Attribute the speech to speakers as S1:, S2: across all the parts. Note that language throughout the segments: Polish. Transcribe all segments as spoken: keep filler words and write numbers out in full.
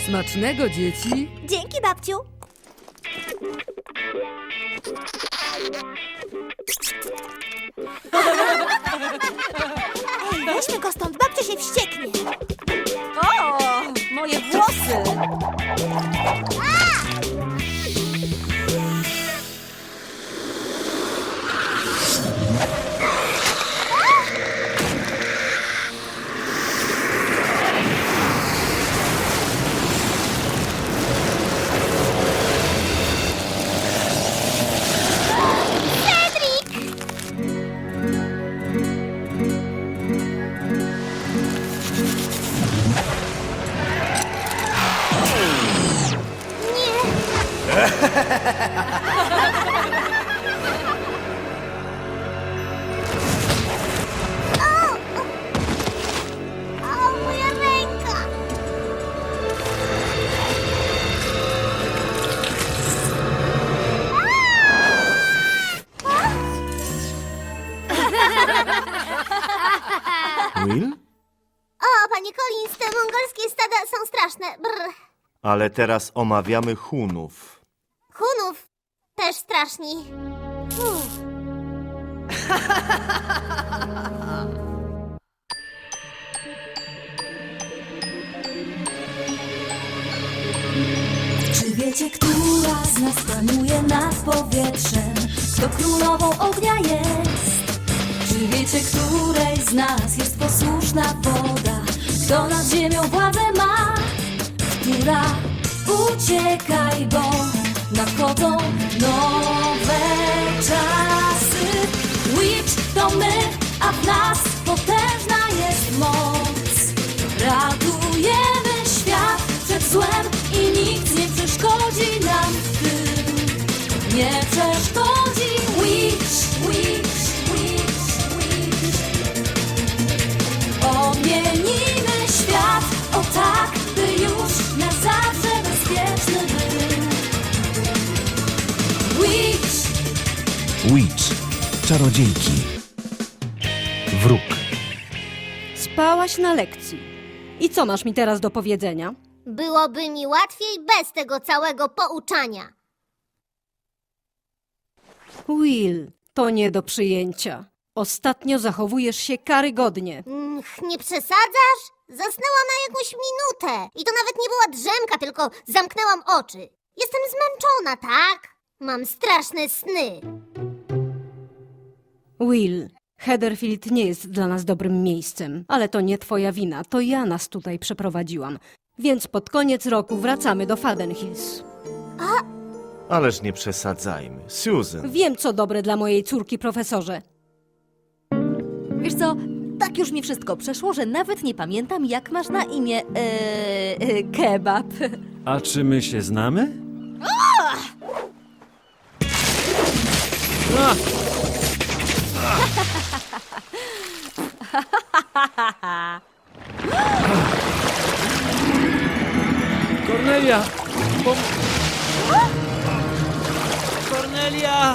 S1: Smacznego, dzieci.
S2: Dzięki, babciu. Ej, weźmy go stąd, babcia się wścieknie.
S3: O, moje włosy!
S2: O, moja ręka.
S4: Will?
S2: O, panie Collins, te mongolskie stada są straszne. Brr.
S4: Ale teraz omawiamy Hunów.
S2: Hunów też straszni. Uff.
S5: Czy wiecie, która z nas panuje nad powietrzem? Kto królową ognia jest? Czy wiecie, której z nas jest posłuszna woda? Kto nad ziemią władzę ma? Która uciekaj, bo nadchodzą nowe czasy. Witch to my, a w nas potężna jest moc. Ratujemy świat przed złem i nikt nie przeszkodzi nam w tym. Nie przeszkodzi. Witch, witch, witch, witch. Odmienimy świat, o tak, by już na zawsze bezpieczny był. Witch.
S6: Witch. Czarodziejki. Wróg.
S3: Spałaś na lekcji. I co masz mi teraz do powiedzenia?
S2: Byłoby mi łatwiej bez tego całego pouczania.
S3: Will, to nie do przyjęcia. Ostatnio zachowujesz się karygodnie.
S2: Mm, nie przesadzasz? Zasnęłam na jakąś minutę. I to nawet nie była drzemka, tylko zamknęłam oczy. Jestem zmęczona, tak? Mam straszne sny.
S3: Will, Heatherfield nie jest dla nas dobrym miejscem. Ale to nie twoja wina, to ja nas tutaj przeprowadziłam. Więc pod koniec roku wracamy do Faden Hills.
S4: Ależ nie przesadzajmy. Susan.
S3: Wiem, co dobre dla mojej córki, profesorze.
S7: Wiesz co, tak już mi wszystko przeszło, że nawet nie pamiętam, jak masz na imię ee, e, kebab.
S6: A czy my się znamy? Kornelia! Pom... Kornelia!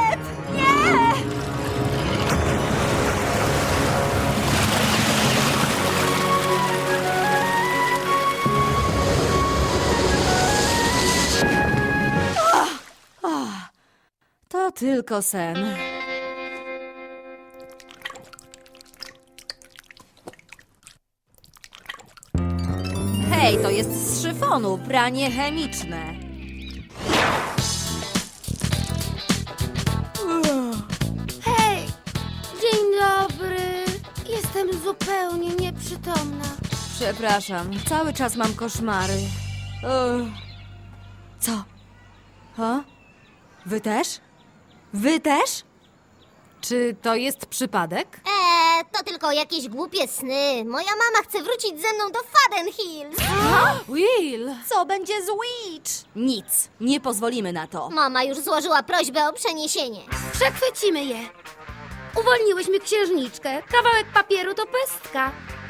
S7: To tylko sen. Hej, to jest z szyfonu, pranie chemiczne.
S8: Hej, dzień dobry. Jestem zupełnie nieprzytomna.
S7: Przepraszam, cały czas mam koszmary. Ugh. Co? Ha? Wy też? Wy też?
S3: Czy to jest przypadek?
S2: Eee, to tylko jakieś głupie sny. Moja mama chce wrócić ze mną do Faden Hills.
S7: Will! Co będzie z Witch? Nic, nie pozwolimy na to.
S2: Mama już złożyła prośbę o przeniesienie.
S8: Przechwycimy je. Uwolniłyśmy księżniczkę. Kawałek papieru to pestka.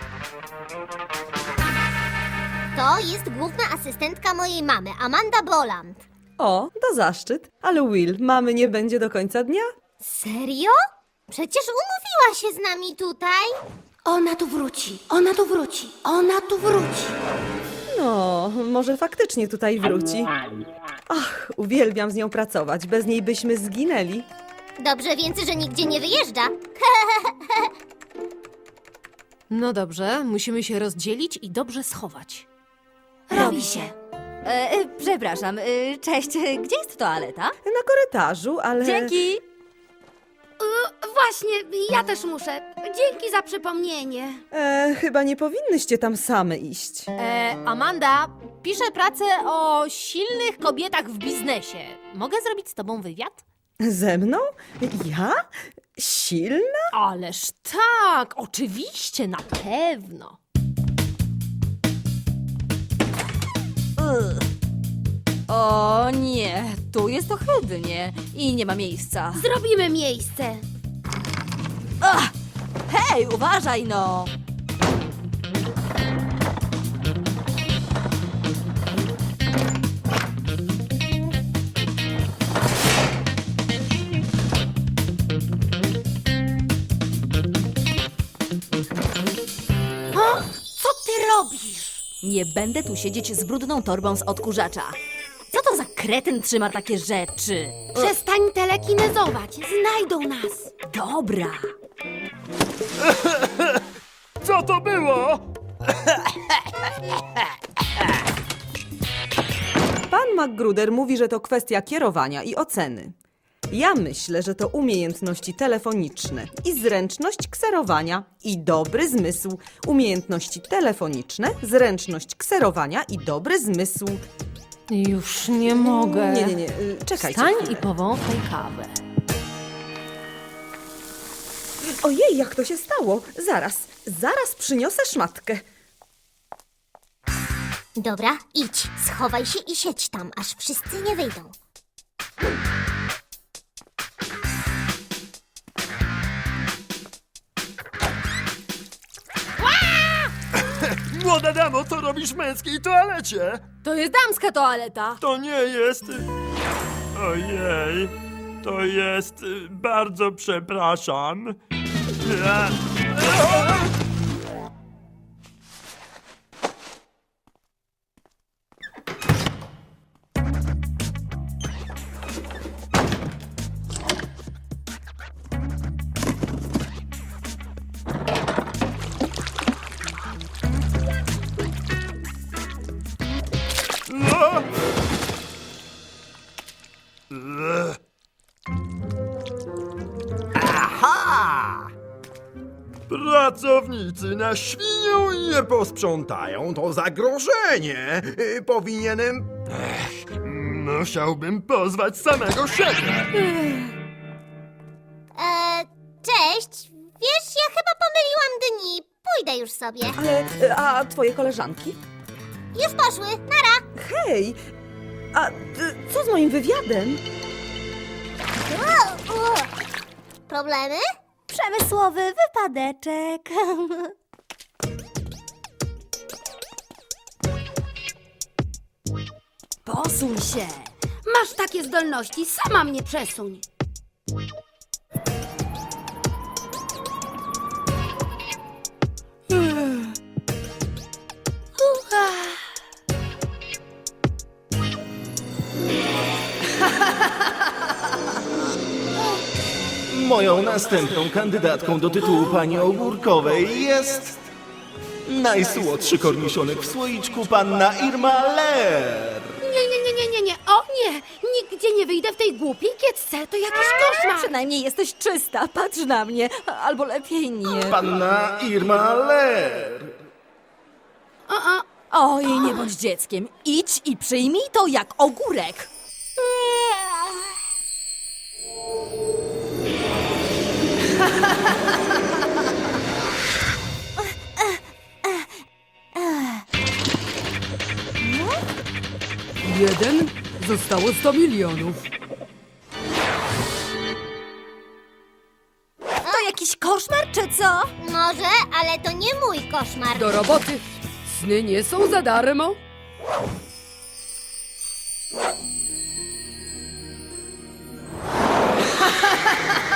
S2: To jest główna asystentka mojej mamy, Amanda Boland.
S9: O, to zaszczyt. Ale Will, mamy nie będzie do końca dnia?
S2: Serio? Przecież umówiła się z nami tutaj.
S8: Ona tu wróci. Ona tu wróci. Ona tu wróci.
S9: No, może faktycznie tutaj wróci. Ach, uwielbiam z nią pracować. Bez niej byśmy zginęli.
S2: Dobrze więc, że nigdzie nie wyjeżdża.
S1: No dobrze, musimy się rozdzielić i dobrze schować.
S7: Robi się. E, e, przepraszam, e, cześć, e, gdzie jest toaleta?
S9: Na korytarzu, ale...
S7: Dzięki!
S8: Y, właśnie, ja też muszę. Dzięki za przypomnienie.
S9: E, chyba nie powinnyście tam same iść.
S1: E, Amanda, piszę pracę o silnych kobietach w biznesie. Mogę zrobić z tobą wywiad?
S9: Ze mną? Ja? Silna?
S1: Ależ tak, oczywiście, na pewno.
S7: Ugh. O nie, tu jest ohydnie i nie ma miejsca.
S8: Zrobimy miejsce.
S7: Ach, hej, uważaj no!
S8: Co ty robisz?
S7: Nie będę tu siedzieć z brudną torbą z odkurzacza. Co to za kretyn trzyma takie rzeczy?
S8: Przestań telekinezować. Znajdą nas.
S7: Dobra.
S6: Co to było?
S9: Pan McGruder mówi, że to kwestia kierowania i oceny. Ja myślę, że to umiejętności telefoniczne i zręczność kserowania i dobry zmysł. Umiejętności telefoniczne, zręczność kserowania i dobry zmysł.
S1: Już nie mogę.
S9: Nie, nie, nie, y, czekajcie.
S1: Wstań
S9: chwilę.
S1: i powąchaj kawę.
S9: Ojej, jak to się stało? Zaraz, zaraz przyniosę szmatkę.
S2: Dobra, idź, schowaj się i siedź tam, aż wszyscy nie wyjdą.
S6: Młoda damo, co robisz w męskiej toalecie?
S1: To jest damska toaleta.
S6: To nie jest... Ojej, to jest... Bardzo przepraszam.
S10: Pracownicy na świnią nie posprzątają, to zagrożenie. Y, Powinienem... Ech, musiałbym pozwać samego siebie.
S2: Eee, cześć. Wiesz, ja chyba pomyliłam dni. Pójdę już sobie.
S9: Ale, y, a twoje koleżanki?
S2: Już poszły. Nara.
S9: Hej, a y, co z moim wywiadem?
S2: O, o. Problemy?
S7: Przemysłowy wypadeczek. Posuń się.
S8: Masz takie zdolności, sama mnie przesuń.
S4: Moją następną kandydatką do tytułu pani Ogórkowej jest... najsłodszy korniszonek w słoiczku, panna Irma Ler.
S8: Nie, nie, nie, nie, nie, nie. O nie! Nigdzie nie wyjdę w tej głupiej kiecce. To jakiś koszmar.
S7: Przynajmniej jesteś czysta, patrz na mnie. Albo lepiej nie.
S4: Panna Irma Ler.
S8: O, o.
S7: Oj, nie bądź dzieckiem. Idź i przyjmij to jak ogórek.
S1: Jeden, zostało sto milionów.
S7: To jakiś koszmar, czy co?
S2: Może, ale to nie mój koszmar.
S1: Do roboty. Sny nie są za darmo.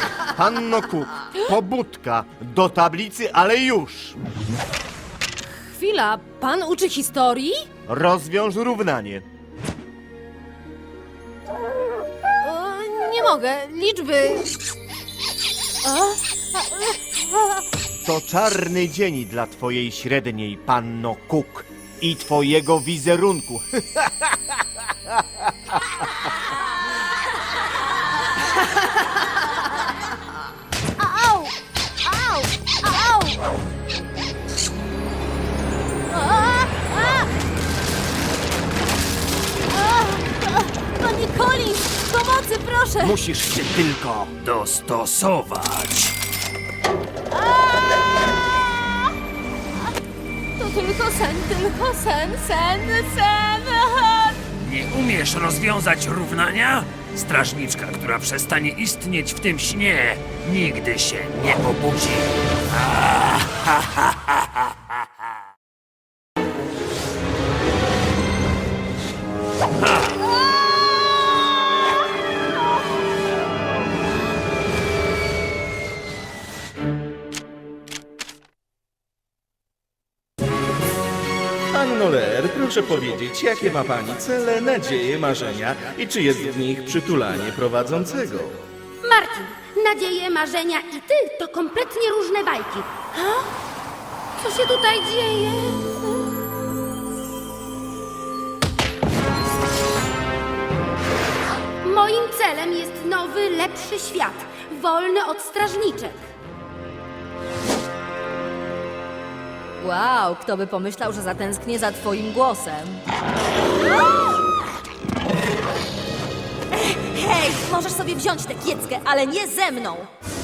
S4: Panno Cook, pobudka, do tablicy, ale już.
S1: Chwila, pan uczy historii?
S11: Rozwiąż równanie.
S1: E, nie mogę, liczby... A?
S11: To czarny dzień dla twojej średniej, panno Cook, i twojego wizerunku.
S2: Au! Au! Au!
S1: A, a! A, a, Pani Collins, pomocy proszę!
S11: Musisz się tylko...
S6: Dostosować.
S1: To tylko sen, tylko sen, sen, sen!
S6: Nie umiesz rozwiązać równania? Strażniczka, która przestanie istnieć w tym śnie, nigdy się nie obudzi.
S4: Panno Leer, proszę powiedzieć, jakie ma pani cele, nadzieje, marzenia i czy jest w nich przytulanie prowadzącego?
S8: Martin, nadzieje, marzenia i ty to kompletnie różne bajki. Ha? Co się tutaj dzieje? Moim celem jest nowy, lepszy świat, wolny od strażniczek.
S7: Wow, kto by pomyślał, że zatęsknię za twoim głosem. Hej, możesz sobie wziąć tę kieckę, ale nie ze mną!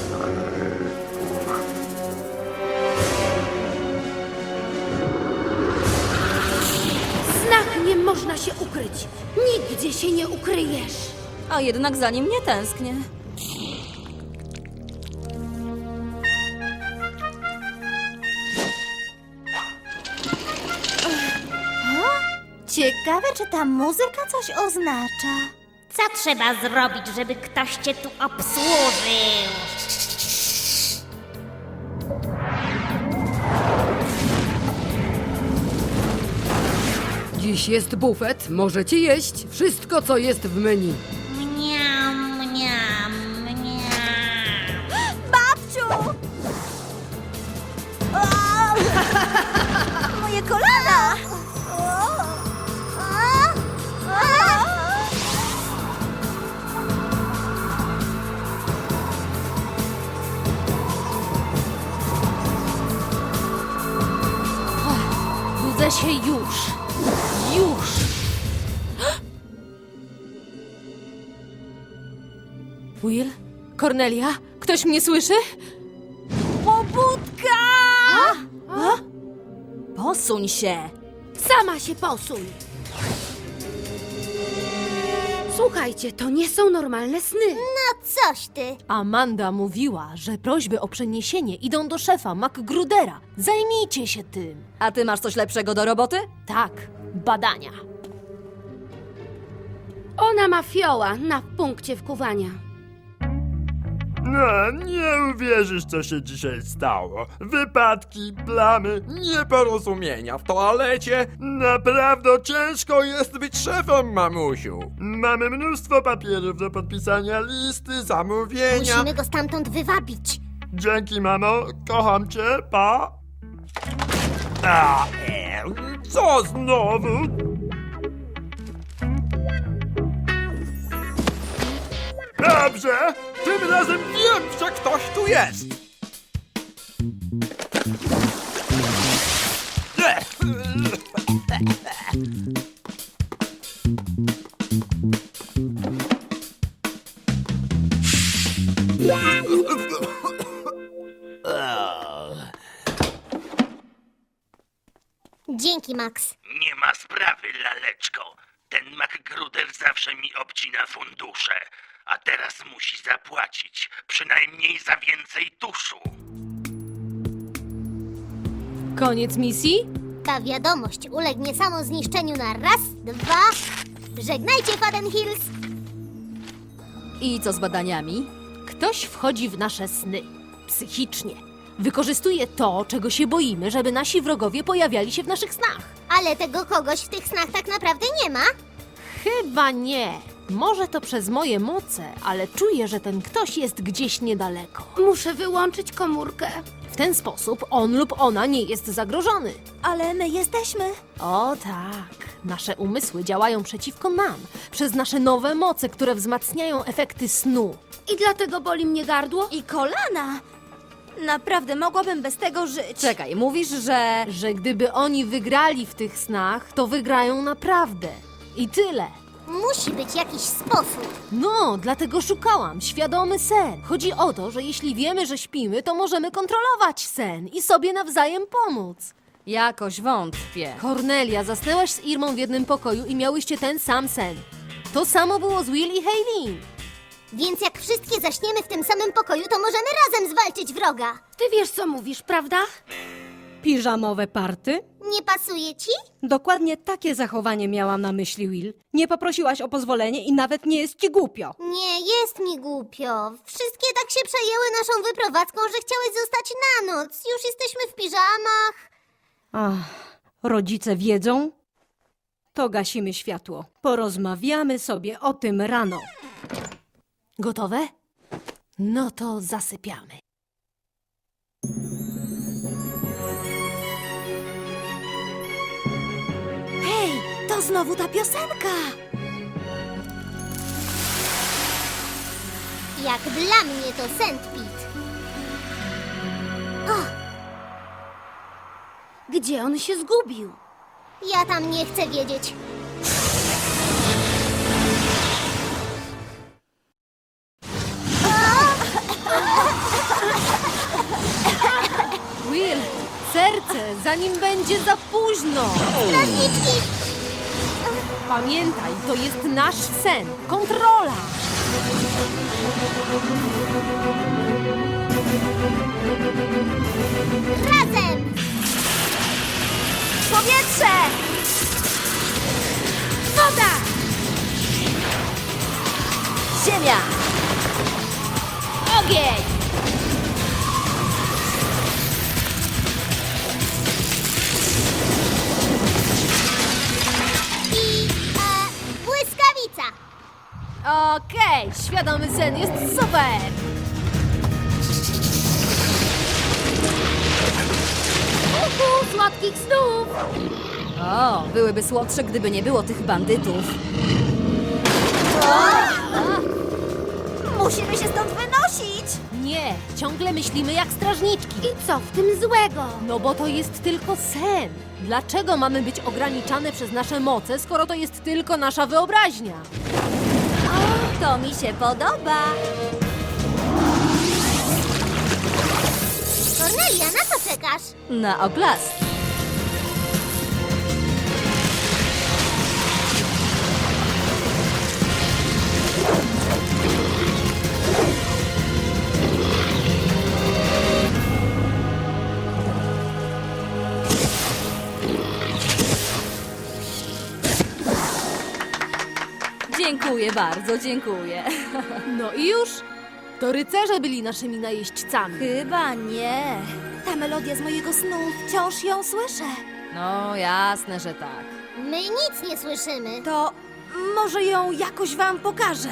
S8: Znak nie można się ukryć. Nigdzie się nie ukryjesz.
S7: A jednak za nim nie tęsknię.
S2: Ciekawe, czy ta muzyka coś oznacza. Co trzeba zrobić, żeby ktoś cię tu obsłużył?
S12: Dziś jest bufet, możecie jeść wszystko, co jest w menu.
S2: Mniam, mniam, mniam. Babciu! Moje kolana!
S1: Budzę się już. Już. Will? Cornelia? Ktoś mnie słyszy?
S7: Pobudka! Posuń się!
S8: Sama się posuń. Słuchajcie, to nie są normalne sny.
S2: No coś ty.
S1: Amanda mówiła, że prośby o przeniesienie idą do szefa MacGrudera. Zajmijcie się tym.
S7: A ty masz coś lepszego do roboty?
S1: Tak, badania.
S8: Ona ma fioła na punkcie wkuwania.
S6: No, nie uwierzysz, co się dzisiaj stało. Wypadki, plamy,
S10: Nieporozumienia w toalecie.
S6: naprawdę ciężko jest być
S10: Być szefem, mamusiu.
S6: Mamy mnóstwo papierów do podpisania, listy,
S10: Zamówienia.
S2: Musimy go stamtąd wywabić.
S6: Dzięki, mamo. Kocham cię, pa. A, e, co znowu? Dobrze, tym razem wiem, że ktoś tu jest.
S2: Dzięki, Max.
S13: Nie ma sprawy, laleczko. Ten MacGruder zawsze mi obcina fundusze, a teraz musi zapłacić, przynajmniej za więcej tuszu.
S1: Koniec misji?
S2: Ta wiadomość ulegnie samozniszczeniu na raz, dwa... Żegnajcie, Faden Hills!
S7: I co z badaniami?
S1: Ktoś wchodzi w nasze sny. Psychicznie. Wykorzystuje to, czego się boimy, żeby nasi wrogowie pojawiali się w naszych snach.
S2: Ale tego kogoś w tych snach tak naprawdę nie ma.
S1: Chyba nie. Może to przez moje moce, ale czuję, że ten ktoś jest gdzieś niedaleko.
S8: Muszę wyłączyć komórkę.
S1: W ten sposób on lub ona nie jest zagrożony.
S7: Ale my jesteśmy.
S1: O tak, nasze umysły działają przeciwko nam, przez nasze nowe moce, które wzmacniają efekty snu.
S8: I dlatego boli mnie gardło?
S7: I kolana. Naprawdę mogłabym bez tego żyć.
S1: Czekaj, mówisz, że... Że gdyby oni wygrali w tych snach, to wygrają naprawdę. I tyle.
S2: Musi być jakiś sposób.
S1: No, dlatego szukałam. Świadomy sen. Chodzi o to, że jeśli wiemy, że śpimy, to możemy kontrolować sen i sobie nawzajem pomóc.
S7: Jakoś wątpię.
S1: Kornelia, zasnęłaś z Irmą w jednym pokoju i miałyście ten sam sen. To samo było z Will i Hayley.
S2: Więc jak wszystkie zaśniemy w tym samym pokoju, to możemy razem zwalczyć wroga.
S8: Ty wiesz, co mówisz, prawda?
S3: Piżamowe party?
S2: Nie pasuje ci?
S3: Dokładnie takie zachowanie miałam na myśli, Will. Nie poprosiłaś o pozwolenie i nawet nie jest ci głupio.
S2: Nie, jest mi głupio. Wszystkie tak się przejęły naszą wyprowadzką, że chciałeś zostać na noc. Już jesteśmy w piżamach.
S3: Ach, rodzice wiedzą? To gasimy światło. Porozmawiamy sobie o tym rano.
S1: Gotowe? No to zasypiamy.
S7: Hej, to znowu ta piosenka.
S2: Jak dla mnie to Sandpit.
S8: Gdzie on się zgubił?
S2: Ja tam nie chcę wiedzieć.
S1: Will, serce, zanim będzie za późno.
S2: Strażniczki!
S1: Pamiętaj, to jest nasz sen. Kontrola.
S2: Razem!
S7: Powietrze!
S8: Woda!
S7: Ziemia!
S1: Ogień!
S2: I e, błyskawica.
S1: Okej, świadomy sen jest super.
S8: Uhu, słodkich snów!
S7: O, byłyby słodsze, gdyby nie było tych bandytów. Musimy się stąd wynosić!
S1: Nie, ciągle myślimy jak strażniczki.
S8: I co w tym złego?
S1: No bo to jest tylko sen. Dlaczego mamy być ograniczane przez nasze moce, skoro to jest tylko nasza wyobraźnia?
S7: O, to mi się podoba.
S2: Kornelia, na co czekasz?
S7: Na oklask. Dziękuję bardzo, dziękuję.
S1: No i już? To rycerze byli naszymi najeźdźcami.
S7: Chyba nie. Ta melodia z mojego snu, wciąż ją słyszę. No, jasne, że tak.
S2: My nic nie słyszymy.
S7: To może ją jakoś wam pokażę.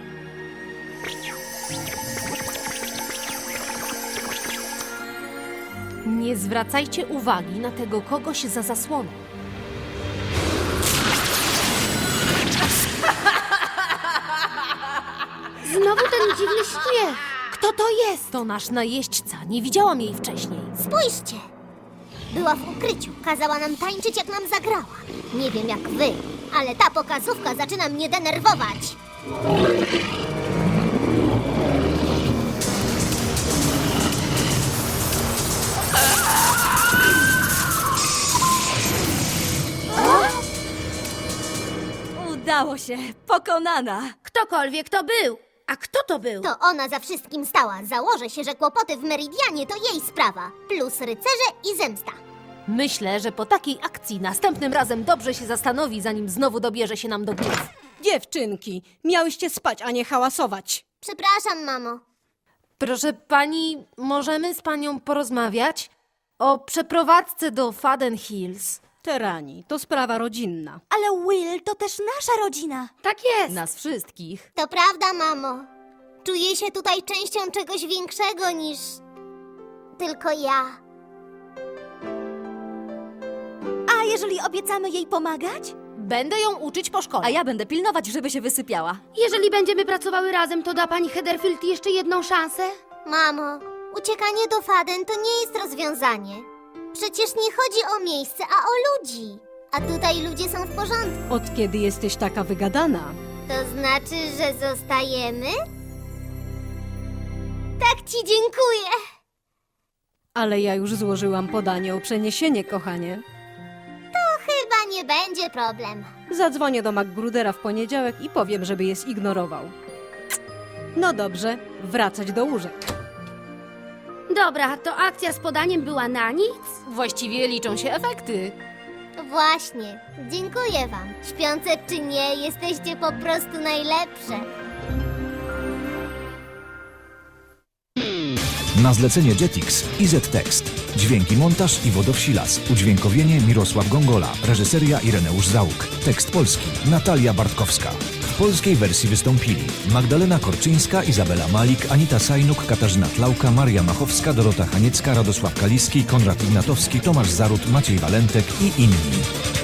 S1: Nie zwracajcie uwagi na tego kogoś za zasłoną.
S8: Znowu ten dziwny śmiech.
S1: Kto to jest? To nasz najeźdźca. Nie widziałam jej wcześniej.
S2: Spójrzcie! Była w ukryciu, kazała nam tańczyć, jak nam zagrała. Nie wiem jak wy, ale ta pokazówka zaczyna mnie denerwować.
S7: Udało się, pokonana.
S8: Ktokolwiek to był. A kto to był?
S2: To ona za wszystkim stała. Założę się, że kłopoty w Meridianie to jej sprawa. Plus rycerze i zemsta.
S1: Myślę, że po takiej akcji następnym razem dobrze się zastanowi, zanim znowu dobierze się nam do głów.
S3: Dziewczynki, miałyście spać, a nie hałasować.
S2: Przepraszam, mamo.
S1: Proszę pani, możemy z panią porozmawiać? O przeprowadzce do Faden Hills.
S3: Terani, to sprawa rodzinna.
S5: Ale Will to też nasza rodzina.
S8: Tak jest.
S7: Nas wszystkich.
S2: To prawda, mamo. Czuję się tutaj częścią czegoś większego niż tylko ja.
S5: A jeżeli obiecamy jej pomagać?
S1: Będę ją uczyć po szkole.
S7: A ja będę pilnować, żeby się wysypiała.
S8: Jeżeli będziemy pracowały razem, to da pani Heatherfield jeszcze jedną szansę?
S2: Mamo, uciekanie do Faden to nie jest rozwiązanie. Przecież nie chodzi o miejsce, a o ludzi. A tutaj ludzie są w porządku.
S3: Od kiedy jesteś taka wygadana?
S2: To znaczy, że zostajemy? Tak ci dziękuję.
S3: Ale ja już złożyłam podanie o przeniesienie, kochanie.
S2: Chyba nie będzie problem.
S3: Zadzwonię do MacGrudera w poniedziałek i powiem, żeby je zignorował. No dobrze, wracać do łóżek.
S8: Dobra, to akcja z podaniem była na nic?
S1: Właściwie liczą się efekty.
S2: Właśnie. Dziękuję wam. Śpiące czy nie, jesteście po prostu najlepsze.
S14: Na zlecenie Jetix I Z Tekst. Dźwięki, montaż Iwo Dowsilas. Udźwiękowienie Mirosław Gongola. Reżyseria Ireneusz Załuk. Tekst polski Natalia Bartkowska. W polskiej wersji wystąpili Magdalena Korczyńska, Izabela Malik, Anita Sajnuk, Katarzyna Tlauka, Maria Machowska, Dorota Haniecka, Radosław Kaliski, Konrad Ignatowski, Tomasz Zarut, Maciej Walentek i inni.